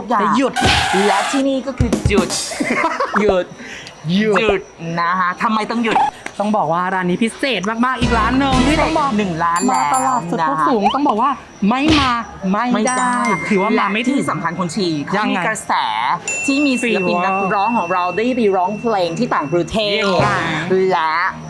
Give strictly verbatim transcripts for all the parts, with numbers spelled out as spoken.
กอย่างหยุดและที่นี่ก็คือหยุดหยุดหยุดหยุดนะคะทำไมต้องหยุดต้องบอกว่าร้านนี้พิเศษมากๆอีกร้านหนึ่งที่ต้องบอกหนึ่งร้านแล้วมาตลาดสุดนะสูงต้องบอกว่าไม่มาไม่ไม่ได้ได้ถือว่ามาไม่ถึงที่สำคัญคนชียัเขางมีไงกระแสที่มีศิลปินฟีเวอร์นักร้องของเราได้ไปร้องเพลงที่ต่างประเทศยังไงและ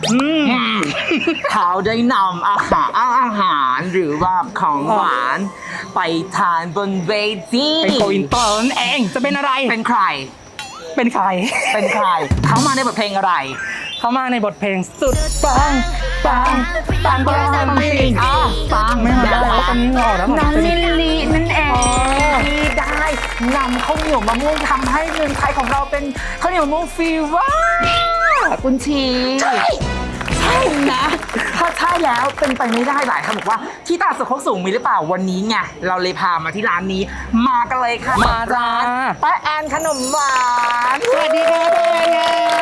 เขาได้นำอาหารอาหารหรือว่าของหวานไปทานบนเวทีเป็นโกอินเตอร์นั่นเองจะเป็นอะไรเป็นใครเป็นใครเป็นใคร เขามาในบทเพลงอะไรเขามาในบทเพลงสุดปังปังปังปังปังจริงอ้าวปังไม่มาได้แล้วตอนนี้งอแล้วน้องมิลลีนั่นเองที่ได้นำข้าวเหนียวมะม่วงทำให้เมืองไทยของเราเป็นข้าวเหนียวมะม่วงฟีเวอร์คุณชีใช่ใช่นะถ้าใช่แล้วเป็นไปไม่ได้หลายคนบอกว่าที่ตลาดสดโคกสูงมีหรือเปล่าวันนี้ไงเราเลยพามาที่ร้านนี้มากันเลยค่ะมาจ้าป้าแอนขนมหวานสวัสดีค่ะป้าแอน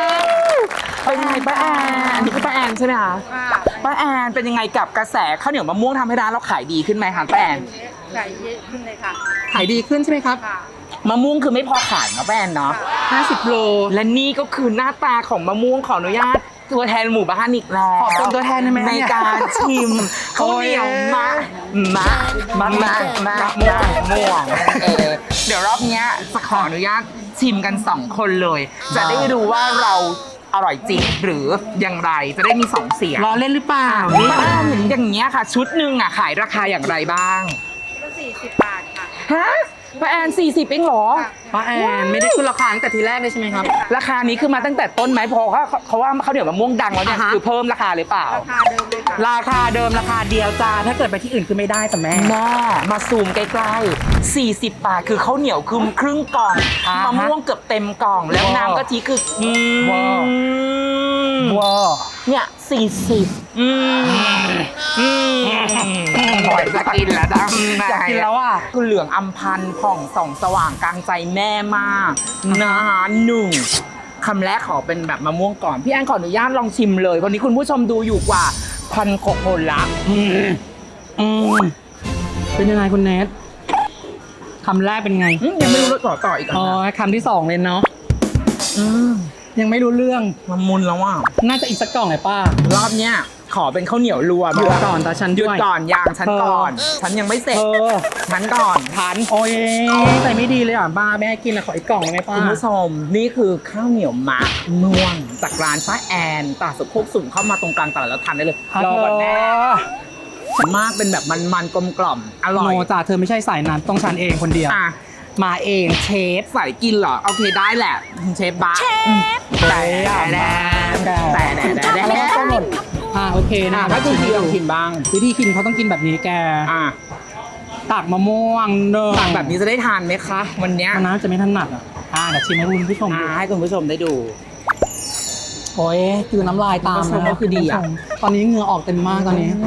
เป็นไงป้าแอนอันนี้คือป้าแอนใช่ไหมคะป้าแอนเป็นยังไงกับกระแสข้าวเหนียวมะม่วงทำให้ร้านเราขายดีขึ้นไหมคะป้าแอนขายเยอะขึ้นเลยค่ะขายดีขึ้นใช่ไหมครับค่ะมะม่วงคือไม่พอขายเนาะป้าแอนเนาะห้าสิบโลและนี่ก็คือหน้าตาของมะม่วงขออนุญาตตัวแทนหมู่บ้านอีกแล้วขอเป็นตัวแทนได้ไหมในเนี่ยการชิมข้าวเหนียวมะมะมะมะมะม่วงม่วงเออเดี๋ยวรอบเนี้ยจะขออนุญาตชิมกันสองคนเลย จะได้รู้ว่าเราอร่อยจริงหรืออย่างไรจะได้มีสองเสียงรอเล่นหรือเปล่าป้าแอนเห็นอย่างเงี้ยค่ะ ชุดหนึ่งอ่ะขายราคาอย่างไรบ้างก็สี่สิบบาทค่ะฮะป้าแอนสี่สิบเองเหรอป้าแอนไม่ได้ขึ้นราคาตั้งแต่ทีแรกเลยใช่ไหมครับราคานี้คือมาตั้งแต่ต้นไหมเพอเขาเขาว่าข้าวเหนียวมะม่วงดังแล้วเนี่ยอ่าฮะคือเพิ่มราคาหรือเปล่าราคาเดิมเลยค่ะราคาเดิมราคาเดียวจ้าถ้าเกิดไปที่อื่นคือไม่ได้จ้ะแม่แม่มาซูมใกล้ๆสี่สิบบาทคือข้าวเหนียวคือครึ่งกล่องอ่าฮะมะม่วงเกือบเต็มกล่อง แล้วว้าวน้ำกะทิคืออืมว้าว ว้าเนี่ยสี่สิบอืมอืมอร่อยจะกินแล้วดังอยากกินแล้วอ่ะคือเหลืองอำพันธ์ผ่องส่องสว่างกลางใจแม่มากนะคะหนึ่งคำแรกขอเป็นแบบมะม่วงก่อนพี่แอนขออนุญาตลองชิมเลยวันนี้คุณผู้ชมดูอยู่กว่าพันกว่าคนละอืมอืมเป็นยังไงคุณเนทคำแรกเป็นไงอืมยังไม่รู้รสต่อต่ออีกอ๋ออ่ะคำที่สองเลยเนาะอืมยังไม่รู้เรื่องละมุนแล้วอ่ะน่าจะอีกสักกล่องเลยป้ารอบเนี้ยขอเป็นข้าวเหนียวรวมหยุดก่อนตาฉันหยุดด้วยก่อนยางฉันก่อน ฉันยังไม่เสร็จเออฉันก่อนทานโอ้ยใจไม่ดีเลยอ่ะป้าแม่ให้กินนะขออีกกล่องได้ไหมป้าคุณผู้ชมนี่คือข้าวเหนียวมะม่วงจากร้านป้าแอนตลาดสดโคกสูงเข้ามาตรงกลางตลาดแล้วทานได้เลยรอก่อนแม่มากเป็นแบบมันๆกลมกล่อมอร่อยโนจ่าเธอไม่ใช่สายนั้นต้องฉันเองคนเดียวอ่ะมาเองเชฟใส่กินเหรอโอเคได้แหละเชฟบะแต่แต่แต่แต่แต่แต่แล้วก็หมดอ่าโอเคนะถ้าคุณพี่ลองกินบ้างวิธีกินเขาต้องกินแบบนี้แกอ่ะตักมะม่วงเนยตักแบบนี้จะได้ทานไหมคะ วันเนี้ยมันน้ำจะไม่ถนัดอ่ะอ่าเดี๋ยวชิมให้คุณผู้ชมอ่ะดูให้คุณผู้ชมได้ดูโอ้ยคือน้ำลายตามคุณผู้ชมก็คือดีอะณผู้ชมตอนนี้เหงื่อออกเต็มมากตอนนี้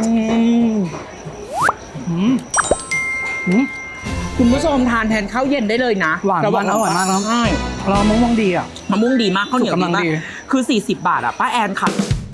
อืมอืมคุณผู้ชมทานแทนข้าวเย็นได้เลยนะหวานมันอร่อยมากนะใช่เรามะม่วงดีอ่ะมะม่วงดีมากข้าวเหนียวสุกกำลัดีงมากดีคือสี่สิบบาทอ่ะป้าแอนค่ะ